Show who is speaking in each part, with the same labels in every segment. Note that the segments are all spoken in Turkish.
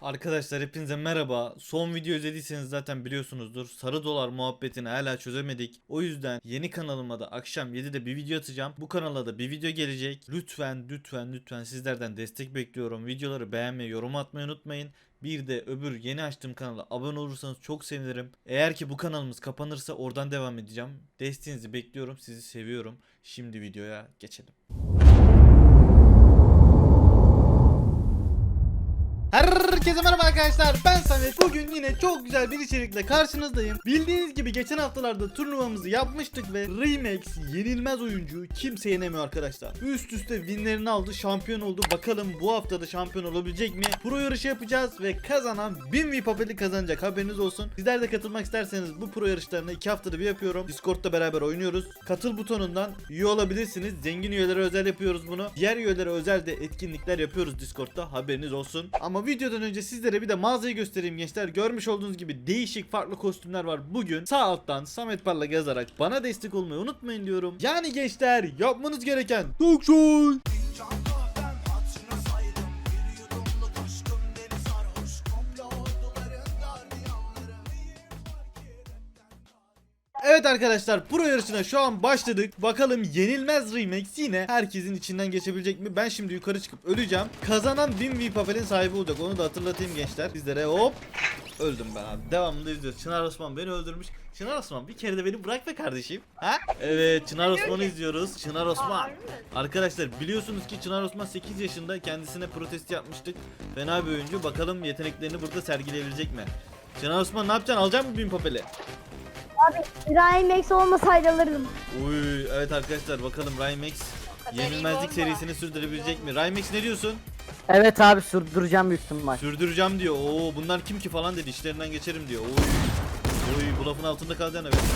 Speaker 1: Arkadaşlar hepinize merhaba. Son video izlediyseniz zaten biliyorsunuzdur. Sarı dolar muhabbetini hala çözemedik. O yüzden yeni kanalıma da akşam 7'de bir video atacağım. Bu kanala da bir video gelecek. Lütfen sizlerden destek bekliyorum. Videoları beğenmeyi, yorum atmayı unutmayın. Bir de öbür yeni açtığım kanala abone olursanız çok sevinirim. Eğer ki bu kanalımız kapanırsa oradan devam edeceğim. Desteğinizi bekliyorum. Sizi seviyorum. Şimdi videoya geçelim. Herkese merhaba arkadaşlar, ben Samet. Bugün yine çok güzel bir içerikle karşınızdayım. Bildiğiniz gibi geçen haftalarda turnuvamızı yapmıştık ve Remax yenilmez oyuncu, kimse yenemiyor arkadaşlar. Üst üste winlerini aldı, şampiyon oldu. Bakalım bu hafta da şampiyon olabilecek mi? Pro yarışı yapacağız ve kazanan 1000 V-Papel'i kazanacak, haberiniz olsun. Sizler de katılmak isterseniz bu pro yarışlarını 2 haftada bir yapıyorum. Discord'da beraber oynuyoruz. Katıl butonundan üye olabilirsiniz. Zengin üyelere özel yapıyoruz bunu. Diğer üyelere özel de etkinlikler yapıyoruz Discord'da, haberiniz olsun. Ama videodan önce sizlere bir de mağazayı göstereyim gençler. Görmüş olduğunuz gibi değişik farklı kostümler var. Bugün sağ alttan Samet Parlak yazarak bana destek olmayı unutmayın diyorum. Yani gençler, yapmanız gereken çok şey. Evet arkadaşlar, pro yarışına şu an başladık. Bakalım yenilmez Remax yine herkesin içinden geçebilecek mi? Ben şimdi yukarı çıkıp öleceğim. Kazanan 1000 V-Papel'in sahibi olacak. Onu da hatırlatayım gençler. Sizlere hop. Öldüm ben abi. Devamında izliyoruz. Çınar Osman beni öldürmüş. Çınar Osman, bir kere de beni bırak be kardeşim. Ha? Evet, Çınar Osman'ı izliyoruz. Çınar Osman. Arkadaşlar biliyorsunuz ki Çınar Osman 8 yaşında, kendisine protest yapmıştık. Fena bir oyuncu. Bakalım yeteneklerini burada sergileyebilecek mi? Çınar Osman, ne yapacaksın? Alacak mısın 1000 Papel'i?
Speaker 2: Abi Ryan olmasaydı alırdım.
Speaker 1: Uy, evet arkadaşlar, bakalım Rymax yenilmezlik serisini sürdürebilecek mi? Rymax ne diyorsun?
Speaker 3: Evet abi, sürdüreceğim büyük ihtimal.
Speaker 1: Sürdüreceğim diyor. Oo, bunlar kim ki falan dedi. İşlerinden geçerim diyor. Oy. Oy, bu lafın altında kalacaksın evet.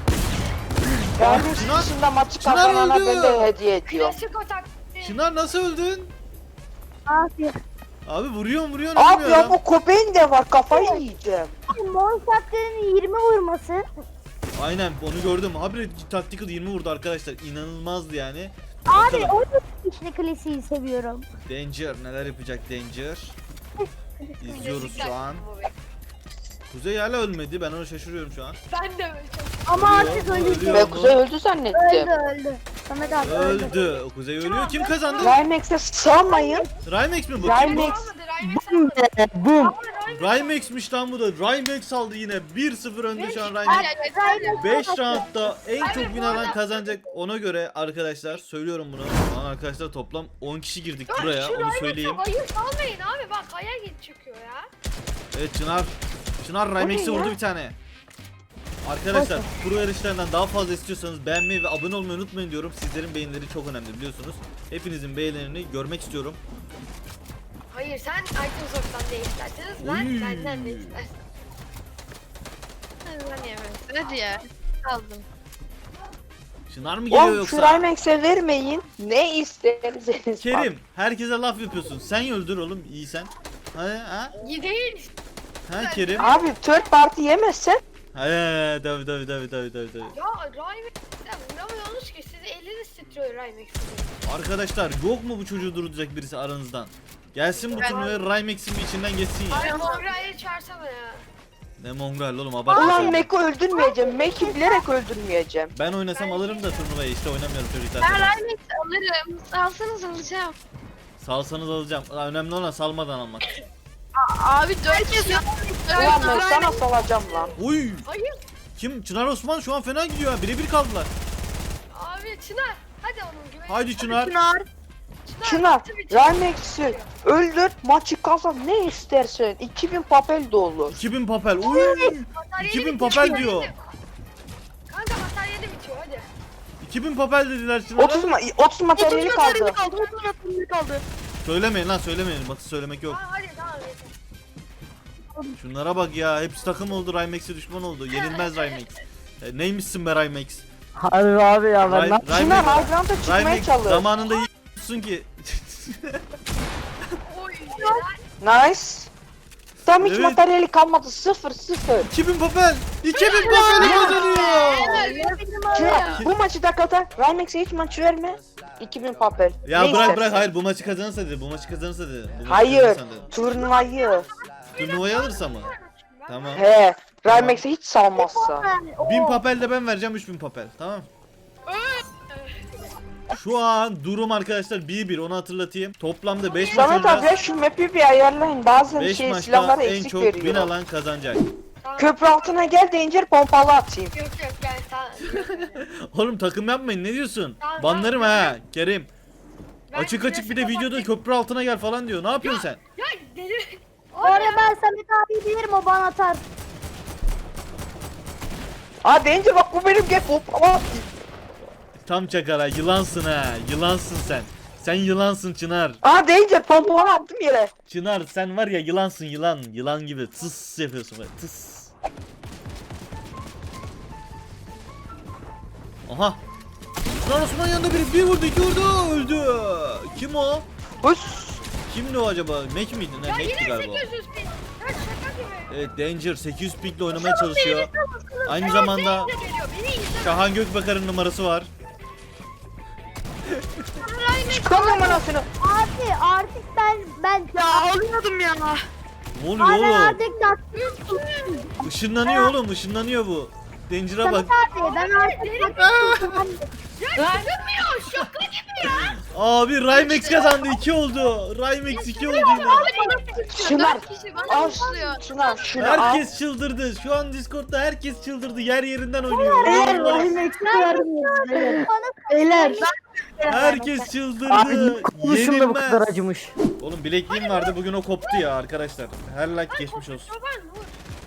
Speaker 4: Gelmiş
Speaker 1: Çınar-
Speaker 4: dışında maçı
Speaker 1: Çınar
Speaker 4: kazanana
Speaker 1: öldü.
Speaker 4: ben de hediye ediyorum.
Speaker 5: Klasik o taktiği.
Speaker 1: Çınar, nasıl öldün?
Speaker 2: Abi.
Speaker 1: Abi vuruyorsun
Speaker 4: Abi
Speaker 1: ölmüyor
Speaker 4: ya
Speaker 1: adam.
Speaker 4: bu köpeğin de var, kafayı yiyeceğim.
Speaker 2: Mor şapkanın 20 vurması.
Speaker 1: Aynen, onu gördüm. Abi Tactical 20 vurdu arkadaşlar. İnanılmazdı yani.
Speaker 2: Abi
Speaker 1: Bakalım.
Speaker 2: o işte klasiği seviyorum.
Speaker 1: Danger neler yapacak Danger? İzliyoruz şu an. Kuzey hala ölmedi. Ben ona şaşırıyorum şu an.
Speaker 5: Ben de öyle çok.
Speaker 2: Ama
Speaker 1: Ölüyor,
Speaker 2: artık
Speaker 1: ölüyor.
Speaker 2: öldü.
Speaker 4: Ben Kuzey öldü zannettim.
Speaker 2: Öldü. Samet abi öldü.
Speaker 1: Öldü. O Kuzey ölüyor. Kim kazandı?
Speaker 4: Rymex'e sığamayın.
Speaker 1: Rymax mi bu?
Speaker 4: Rymax.
Speaker 3: Bum.
Speaker 1: Rymax'miş lan bu da. Rymax aldı yine. 1-0 önde şu an Rymax.
Speaker 5: Hayır.
Speaker 1: 5 roundda en
Speaker 5: Abi
Speaker 1: çok
Speaker 5: bu
Speaker 1: win alan
Speaker 5: arada-
Speaker 1: kazanacak. Ona göre arkadaşlar söylüyorum bunu. Lan arkadaşlar toplam 10 kişi girdik buraya, onu söyleyeyim.
Speaker 5: Hayır salmayın abi, bak kaya git çıkıyor ya.
Speaker 1: Evet, Çınar Rymax'e vurdu bir tane. Arkadaşlar pro yarışlarından daha fazla istiyorsanız beğenmeyi ve abone olmayı unutmayın diyorum. Sizlerin beğenileri çok önemli biliyorsunuz. Hepinizin beğenilerini görmek istiyorum.
Speaker 5: Hayır, sen Microsoft'tan ne isterseniz ben
Speaker 1: Oy.
Speaker 5: benden ne istersen. Ben yemem. Hadi ya. Aldım.
Speaker 1: Çınar mı geliyor
Speaker 4: Oğlum şu
Speaker 1: yoksa?
Speaker 4: Rymex'e vermeyin. Ne isterseniz.
Speaker 1: Kerim, herkese laf yapıyorsun. Sen öldür oğlum, iyi sen. Ha?
Speaker 5: İyi değil.
Speaker 1: Ha Kerim?
Speaker 4: Abi third party yemezsen.
Speaker 1: He, tabii.
Speaker 5: Ya Rymex'ten vuramıyorsunuz ki, sizi eliniz titriyor Rymex'in.
Speaker 1: Arkadaşlar yok mu bu çocuğu durduracak birisi aranızdan? Gelsin bu
Speaker 5: Ben-
Speaker 1: turnuvaya, Rymex'in bir içinden geçsin ya.
Speaker 5: Abi Mongrel'i çağırsana ya.
Speaker 1: Ne mongrel oğlum, abartma
Speaker 4: Ulan
Speaker 1: sen.
Speaker 4: Mac'i öldürmeyeceğim. Mac'i bilerek öldürmeyeceğim.
Speaker 1: Ben oynasam alırım da turnuvayı, işte oynamıyorum çocuklar.
Speaker 5: Ben Rymex alırım. Alsanız alacağım.
Speaker 1: Salsanız alacağım. Önemli olan salmadan almak.
Speaker 5: Abi 4 kez
Speaker 4: Ulan ben sana salacağım lan.
Speaker 1: Uy!
Speaker 5: Hayır.
Speaker 1: Kim? Çınar Osman şu an fena gidiyor ha. Birebir kaldılar.
Speaker 5: Abi Çınar. Hadi onun güveni.
Speaker 1: Haydi Çınar.
Speaker 4: Çınar,
Speaker 5: tabii.
Speaker 4: Rymex'i öldür, maçı kazan, ne istersen. 2000 papel de olur.
Speaker 1: 2000 papel. Uy!
Speaker 5: Materyali
Speaker 1: 2000
Speaker 5: bitiyor,
Speaker 1: papel
Speaker 5: materyali.
Speaker 1: diyor.
Speaker 5: Kanka materyali bitiyor hadi.
Speaker 1: 2000 papel dediler Çınar'a.
Speaker 4: 30 materyali kaldı.
Speaker 1: Söylemeyin lan, söylemeyin. Batı söylemek yok.
Speaker 5: Aa, hadi tamam yeter.
Speaker 1: Şunlara bak ya. Hepsi takım oldu. Rymex'e düşman oldu. Yenilmez Rymax. Neymişsin be Rymax?
Speaker 3: Harbi abi ya, ben ne
Speaker 4: Çınar high ground'a çıkmaya
Speaker 1: Rymax
Speaker 4: çalış.
Speaker 1: zamanında yiyorsun ki.
Speaker 5: Oy.
Speaker 4: Nice. Tam hiç
Speaker 1: Evet.
Speaker 4: materyali kalmadı. 0.
Speaker 1: 2000 papel. 2000 papel kazanıyor.
Speaker 4: Çınar bu maçı da kazan. Rymex'e hiç maç verme. 2000 papel.
Speaker 1: Ya
Speaker 4: Ne
Speaker 1: bırak
Speaker 4: istersen.
Speaker 1: hayır, bu maçı kazanırsa dedi. Bu maçı kazanırsa dedi. Bu maçı
Speaker 4: Hayır.
Speaker 1: kazanırsa dedi.
Speaker 4: Turnuvayı.
Speaker 1: Turnuvayı alırsa mı? Tamam.
Speaker 4: He. Rymex'e hiç salmazsa.
Speaker 1: 1000 papel de ben vereceğim, 3000 papel. Tamam. Şu an durum arkadaşlar 1-1, onu hatırlatayım. Toplamda 5 maç
Speaker 4: Samet abi
Speaker 1: oynayacağız.
Speaker 4: şu map'i bir ayarlayın. Bazen
Speaker 1: 5
Speaker 4: şey
Speaker 1: maçta
Speaker 4: silahlar
Speaker 1: en
Speaker 4: eksik
Speaker 1: çok win
Speaker 4: veriyor.
Speaker 1: alan kazanacak.
Speaker 4: Köprü altına gel Danger pompalı atayım.
Speaker 5: Yok yani tamam.
Speaker 1: Oğlum takım yapmayın, ne diyorsun?
Speaker 5: Tamam,
Speaker 1: Banlarım
Speaker 5: tamam.
Speaker 1: ha Kerim.
Speaker 5: Ben
Speaker 1: Açık açık bir de
Speaker 5: klasik
Speaker 1: videoda
Speaker 5: olarak-
Speaker 1: köprü altına gel falan diyor. Ne yapıyorsun sen?
Speaker 5: Ya deli.
Speaker 2: Bu arada ben Samet abi bilirim, o bana atar.
Speaker 4: Aa Danger bak bu benim, gel pompalı atayım.
Speaker 1: Tam çakara, yılansın ha. Yılansın sen. Sen yılansın Çınar.
Speaker 4: Aa Danger pompalı attım yere.
Speaker 1: Çınar sen var ya, yılansın yılan. Yılan gibi tıs yapıyorsun böyle, tıs. Aha. Çınar Osman yanında biri, bir vurdu, iki vurdu, öldü. Kim o?
Speaker 4: Hıs.
Speaker 1: Kimdi o acaba? Mac miydi? Ne,
Speaker 5: Ya
Speaker 1: Mac'ti
Speaker 5: yine
Speaker 1: galiba.
Speaker 5: 800 bin. Ya şaka gibi.
Speaker 1: Evet, Danger 800 pickle oynamaya çalışıyor. Aynı zamanda
Speaker 5: Beni geliyor. Beni izle.
Speaker 1: Şahan Gökbakar'ın numarası var.
Speaker 4: Çıkalım anasını.
Speaker 2: Abi artık ben
Speaker 4: Alıyordum ya.
Speaker 1: Ne oluyor
Speaker 2: ben
Speaker 1: oğlum?
Speaker 2: artık
Speaker 1: Işınlanıyor oğlum, ışınlanıyor bu. Danger'a bak.
Speaker 2: Samet abi ben artık
Speaker 5: Ya çıkmıyor. Şaka gibi ya.
Speaker 1: Abi Rymex kazandı, 2 oldu. Rymex 2 oldu yine.
Speaker 4: Çınar.
Speaker 5: Kişi bana
Speaker 4: Al
Speaker 5: başlıyor.
Speaker 4: Çınar şunu al.
Speaker 1: Herkes çıldırdı. Şu an Discord'da herkes çıldırdı. Yer yerinden oynuyor.
Speaker 2: Beyler.
Speaker 1: Herkes
Speaker 3: Abi
Speaker 1: çıldırdı.
Speaker 3: konuşum da bu kadar
Speaker 1: Yenilmez.
Speaker 3: acımış.
Speaker 1: Oğlum bilekliğim vardı, bugün o koptu ya arkadaşlar. Her like geçmiş olsun.
Speaker 5: Çoban vur.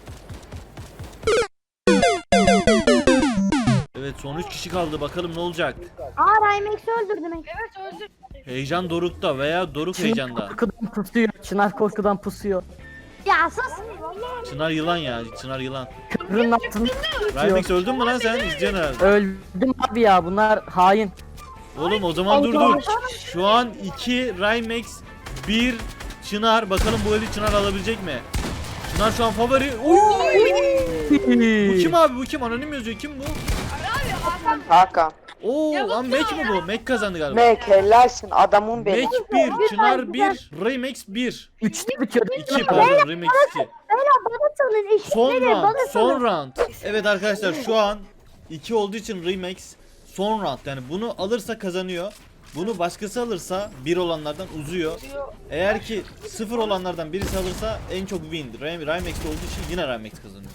Speaker 1: Evet, son 3 kişi kaldı. Bakalım ne olacak.
Speaker 2: Aa Rymex'i öldürdüm.
Speaker 5: Evet öldür.
Speaker 1: Heyecan Doruk'ta veya Doruk
Speaker 3: Çınar
Speaker 1: heyecanda.
Speaker 3: korkudan pusuyor. Çınar korkudan pusuyor.
Speaker 2: Ya sus.
Speaker 1: Çınar yılan ya. Çınar yılan.
Speaker 3: Köprünün altını pusuyor.
Speaker 1: Rymex öldün mü lan sen? İzleyeceksin herhalde.
Speaker 3: Öldüm abi ya, bunlar hain.
Speaker 1: Oğlum o zaman dur. Şu an 2 Rymex, 1 Çınar. Bakalım bu eli Çınar alabilecek mi? Çınar şu an favori. Bu kim abi, bu kim? Anonim yazıyor. Kim bu?
Speaker 4: Hakan.
Speaker 1: Oo lan Mac mi bu? Mac kazandı galiba.
Speaker 4: Mac helalsin adamın benim.
Speaker 1: Mac 1, Çınar 1, Rymex 1.
Speaker 3: 3'te bitiyor.
Speaker 1: 2 pardon, Rymex 2.
Speaker 2: Beyler bana salın.
Speaker 1: Son
Speaker 2: eşitleri
Speaker 1: round,
Speaker 2: bana
Speaker 1: son
Speaker 2: salın.
Speaker 1: round. Evet arkadaşlar, şu an 2 olduğu için Rymex son round. Yani bunu alırsa kazanıyor. Bunu başkası alırsa 1 olanlardan uzuyor. Eğer ki 0 olanlardan birisi alırsa en çok win. Rymex'te olduğu için yine Rymex kazanıyor.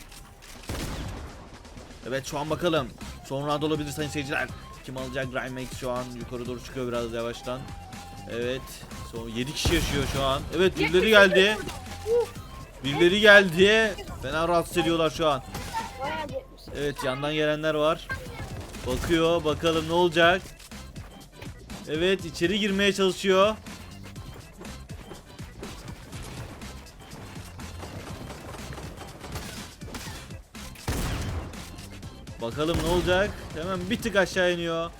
Speaker 1: Evet, şu an bakalım. Son round olabilir sayın seyirciler. Kim alacak? Rymex şu an yukarı doğru çıkıyor biraz yavaştan. Evet. Son 7 kişi yaşıyor şu an. Evet, birileri geldi. Birileri geldi. Fena rahatsız ediyorlar şu an.
Speaker 5: Bayağı yetmiş.
Speaker 1: Evet, yandan gelenler var. Bakıyor, bakalım ne olacak. Evet, içeri girmeye çalışıyor. Bakalım ne olacak. Hemen bir tık aşağı iniyor.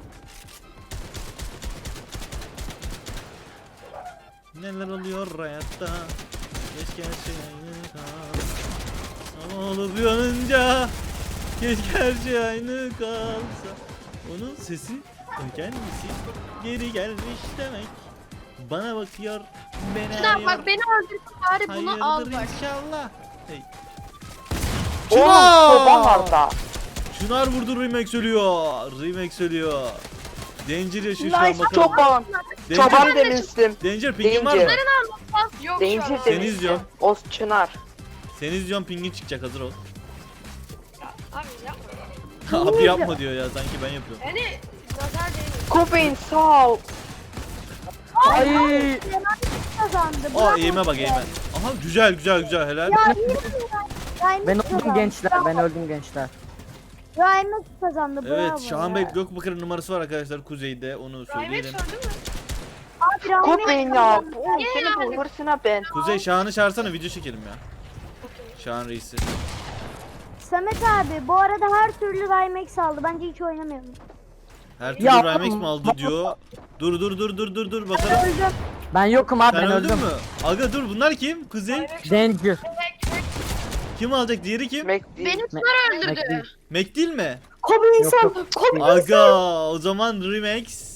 Speaker 1: Neler oluyor hayatta? Keşke her şey aynı kalsa. Ama olup uyanınca keşke her şey aynı kalsa. Onun sesi kendisi geri gelmiş demek. Bana bakıyor, beni
Speaker 5: Çınar
Speaker 1: arıyor.
Speaker 5: bak beni öldürdün bari bunu al
Speaker 1: Hayırdır
Speaker 5: bak.
Speaker 1: inşallah. Hey.
Speaker 4: Oğlum çoban var da.
Speaker 1: Çınar vurdu, Rymex ölüyor. Rymex ölüyor. Danger yaşıyor şu an,
Speaker 4: Nice
Speaker 1: bakalım.
Speaker 4: çoban.
Speaker 1: Danger,
Speaker 4: Çoban demiştim.
Speaker 1: Danger pingin var mı?
Speaker 4: Danger.
Speaker 5: Yok
Speaker 4: Danger
Speaker 5: şu an.
Speaker 1: Seni
Speaker 4: demiştim.
Speaker 1: izliyorum.
Speaker 4: O Çınar.
Speaker 1: Seni izliyorum, pingin çıkacak, hazır ol.
Speaker 5: Abi yapma.
Speaker 1: Abi yapma diyor ya, sanki ben yapıyorum.
Speaker 5: Yani nazar değmesin.
Speaker 4: Kobeyn sağ ol.
Speaker 3: Ay.
Speaker 2: Rymex'i kazandı.
Speaker 1: Aa,
Speaker 2: Bravo.
Speaker 1: eğime bak, eğime. Aha, güzel güzel güzel, helal.
Speaker 2: Ya iyi mi? Rymex'i
Speaker 3: Ben
Speaker 2: kazandı.
Speaker 3: öldüm gençler, ben öldüm gençler.
Speaker 2: Rymex kazandı. Bravo.
Speaker 1: Evet, Şahan Bey
Speaker 2: ya.
Speaker 1: Gökbakar'ın numarası var arkadaşlar kuzeyde, onu
Speaker 5: Rahmet
Speaker 1: söyleyelim.
Speaker 5: öldü mü?
Speaker 2: Abi Rymex
Speaker 4: Kobeyn ya.
Speaker 2: kazandı.
Speaker 4: Oğlum seni bu hırsına ben.
Speaker 1: Kuzey, Şahan'ı çağırsana, video çekelim ya. Şahan reisi.
Speaker 2: Samet abi bu arada her türlü Rymex aldı. Bence hiç oynamayalım.
Speaker 1: Her türlü
Speaker 3: Ya,
Speaker 1: Rymex mi aldı diyor. Dur bakalım.
Speaker 2: Öldüm.
Speaker 3: Ben yokum abi,
Speaker 1: Sen
Speaker 3: ben
Speaker 1: öldün
Speaker 3: öldüm.
Speaker 1: mü? Aga dur, bunlar kim? Kuzey.
Speaker 3: Danger.
Speaker 1: Kim alacak? Diğeri kim?
Speaker 4: Mac değil.
Speaker 5: Beni Çınar öldürdü.
Speaker 1: Mac değil mi?
Speaker 2: Kobeyn
Speaker 3: Yok,
Speaker 2: sen.
Speaker 3: yok.
Speaker 2: Kobeyn
Speaker 1: Aga o zaman Rymex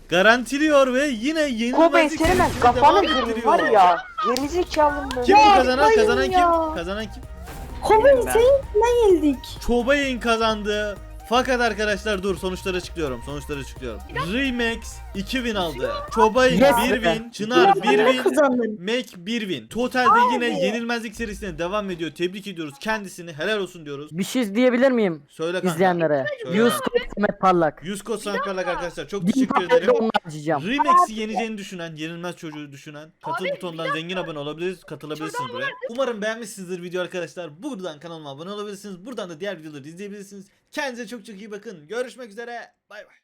Speaker 1: garantiliyor ve yine
Speaker 4: Kobe
Speaker 1: yenilmezlik
Speaker 4: senin ben
Speaker 1: serisine
Speaker 4: kafanı
Speaker 1: devam
Speaker 4: kırayım
Speaker 1: ettiriyor.
Speaker 4: var ya. Gerizekalı mı?
Speaker 1: Kim bu kazanan?
Speaker 2: yapmayın
Speaker 1: Kazanan
Speaker 2: ya.
Speaker 1: kim? Kazanan kim?
Speaker 2: Kobe
Speaker 4: Ben.
Speaker 2: seninle yenildik.
Speaker 1: Çobay'ın kazandı. Fakat arkadaşlar dur sonuçları açıklıyorum. Remax 2000 aldı. Çobay'ın
Speaker 3: Yes
Speaker 1: 1
Speaker 3: be.
Speaker 1: win, Çınar 1 win,
Speaker 2: Kazandın.
Speaker 1: Mac 1 win. Totalde yine yenilmezlik serisine devam ediyor. Tebrik ediyoruz kendisini. Helal olsun diyoruz.
Speaker 3: Bir şey diyebilir miyim
Speaker 1: Söyle kanka.
Speaker 3: izleyenlere?
Speaker 1: Söyle
Speaker 3: Yunus
Speaker 1: kanka.
Speaker 3: Kod Samet Parlak.
Speaker 1: 100 kod sanatlarla arkadaşlar çok
Speaker 3: Bin
Speaker 1: teşekkür
Speaker 3: papelde
Speaker 1: ederim.
Speaker 3: onu harcayacağım.
Speaker 1: Remax'i yeneceğini düşünen, yenilmez çocuğu düşünen, katıl
Speaker 5: Abi,
Speaker 1: butonundan zengin abone olabiliriz, katılabilirsiniz buraya. Umarım beğenmişsinizdir video arkadaşlar. Buradan kanalıma abone olabilirsiniz. Buradan da diğer videoları izleyebilirsiniz. Kendinize çok çok iyi bakın. Görüşmek üzere. Bay bay.